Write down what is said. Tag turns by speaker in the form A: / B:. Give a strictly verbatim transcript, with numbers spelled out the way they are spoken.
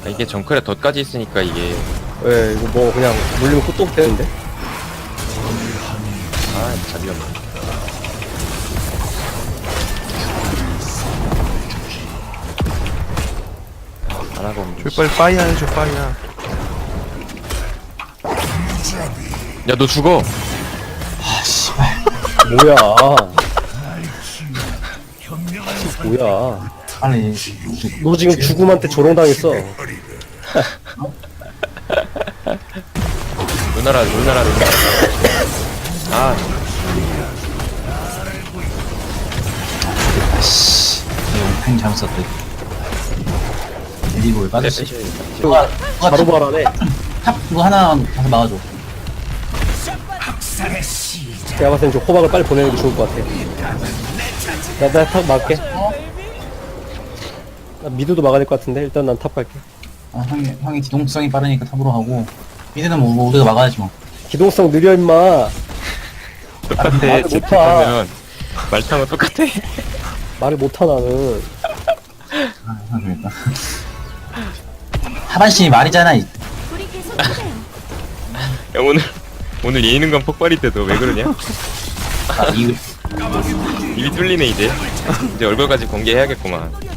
A: 아, 이게 정크레 덧까지 있으니까 이게
B: 왜 이거 뭐 그냥 물리면 끄떡 되는데?
A: 아 진짜 위험해. 안 하고 없네.
C: 저 빨리 빠이야 해줘 빠이야.
A: 야너 죽어.
B: 뭐야? 뭐야?
D: 아니
B: 너 지금 죽음한테 조롱당했어.
A: 누나라 누나라 누나라. 아
D: 아씨 이거 팽 잘못 썼다. 리볼 빠졌지.
A: 네,
D: 누가 누가
B: 바로
D: 탑,
B: 말하네.
D: 탑 이거 하나 가서 막아줘.
B: 내가 봤을 땐 좀 호박을 빨리 보내는 게 좋을 것 같아. 나, 나 탑 막게. 나 미드도 막아야 될 것 같은데 일단 난 탑 갈게.
D: 아, 형이 형이 기동성이 빠르니까 탑으로 하고 미드는 뭐 우리가 막아야지 뭐.
B: 기동성 느려 임마.
A: 똑같아.
B: 말을 못
A: 제트하면 말타면 똑같아.
B: 말을 못하 나는.
D: 아, 형 좋겠다. 하반신이 말이잖아. 이.
E: 우리 계속 그래요.
A: 야 오늘 오늘 예능감 폭발이 때도 왜 그러냐?
D: 아, 이
A: 입이 뚫리네 이제. 이제 얼굴까지 공개해야겠구만.